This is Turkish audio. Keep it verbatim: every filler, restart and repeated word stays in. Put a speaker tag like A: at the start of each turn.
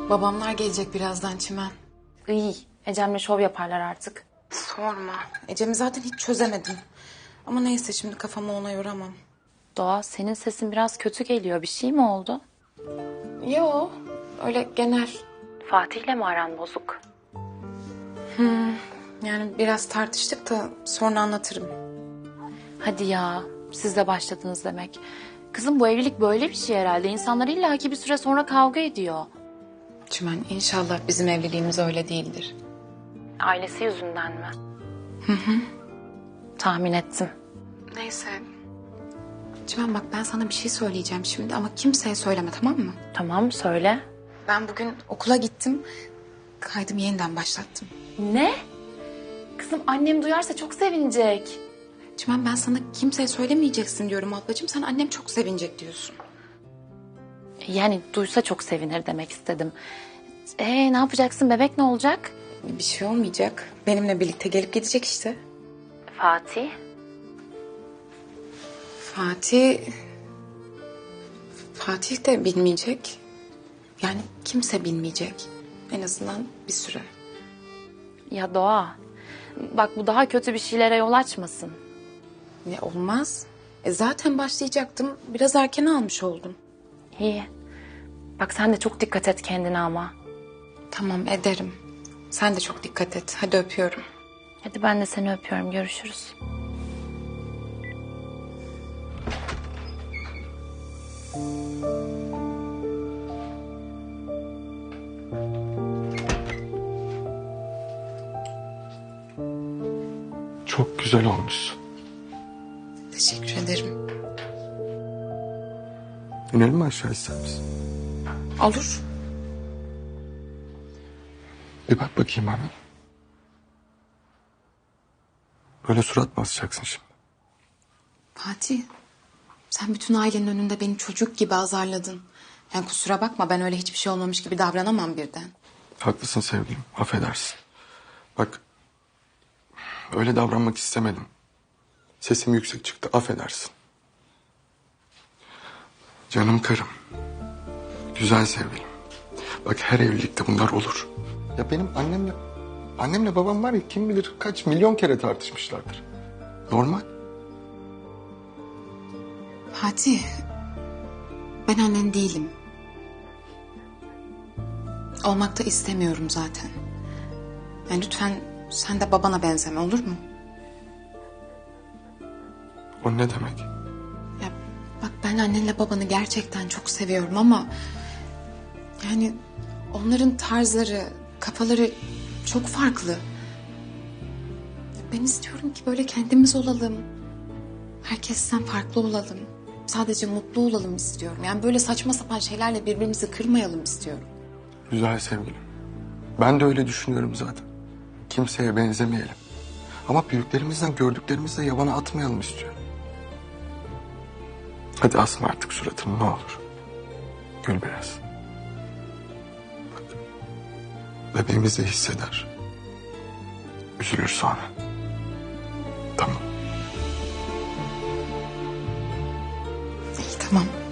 A: Babamlar gelecek birazdan Çimen.
B: İyi. Ecem'le şov yaparlar artık.
A: Sorma. Ecem'i zaten hiç çözemedim. Ama neyse şimdi kafamı ona yoramam.
B: Doğa, senin sesin biraz kötü geliyor. Bir şey mi oldu?
A: Yo, öyle genel.
B: Fatih'le mi aran bozuk?
A: Yani biraz tartıştık da sonra anlatırım.
B: Hadi ya, siz de başladınız demek. Kızım, bu evlilik böyle bir şey herhalde. İnsanlar illaki bir süre sonra kavga ediyor.
A: Çimen inşallah bizim evliliğimiz öyle değildir.
B: Ailesi yüzünden mi? Hı hı. Tahmin ettim.
A: Neyse. Çimen bak ben sana bir şey söyleyeceğim şimdi ama kimseye söyleme, tamam mı?
B: Tamam, söyle.
A: Ben bugün okula gittim. Kaydımı yeniden başlattım.
B: Ne? Kızım, annem duyarsa çok sevinecek.
A: Çimen ben sana kimseye söylemeyeceksin diyorum ablacığım. Sen annem çok sevinecek diyorsun.
B: Yani duysa çok sevinir demek istedim. Ee, ne yapacaksın? Bebek ne olacak?
A: Bir şey olmayacak. Benimle birlikte gelip gidecek işte.
B: Fatih.
A: Fatih... Fatih de bilmeyecek. Yani kimse bilmeyecek. En azından bir süre.
B: Ya Doğa, bak bu daha kötü bir şeylere yol açmasın.
A: Ne olmaz. E zaten başlayacaktım. Biraz erken almış oldum.
B: İyi. Bak sen de çok dikkat et kendine ama.
A: Tamam ederim. Sen de çok dikkat et. Hadi öpüyorum.
B: Hadi ben de seni öpüyorum. Görüşürüz.
C: Çok güzel olmuşsun.
A: Teşekkür ederim.
C: İnelim mi aşağı ister misin?
A: Olur.
C: Bir bak bakayım bana. Böyle surat basacaksın şimdi.
A: Fatih, sen bütün ailenin önünde beni çocuk gibi azarladın. Yani kusura bakma ben öyle hiçbir şey olmamış gibi davranamam birden.
C: Haklısın sevgilim, affedersin. Bak, öyle davranmak istemedim. Sesim yüksek çıktı, affedersin. Canım karım, güzel sevgilim. Bak her evlilikte bunlar olur. Ya benim annemle, annemle babam var ya kim bilir kaç milyon kere tartışmışlardır. Normal.
A: Fatih, ben annen değilim. Olmak da istemiyorum zaten. Yani lütfen sen de babana benzeme, olur mu?
C: O ne demek?
A: Ya bak ben annenle babanı gerçekten çok seviyorum ama... Yani onların tarzları, kafaları çok farklı. Ben istiyorum ki böyle kendimiz olalım. Herkesten farklı olalım. Sadece mutlu olalım istiyorum. Yani böyle saçma sapan şeylerle birbirimizi kırmayalım istiyorum.
C: Güzel sevgilim. Ben de öyle düşünüyorum zaten. Kimseye benzemeyelim. Ama büyüklerimizden gördüklerimizle yabana atmayalım istiyorum. Hadi asma artık suratını ne olur. Gül biraz. Bak. Bebeğimiz de hisseder. Üzülür sonra. Tamam.
A: İyi tamam.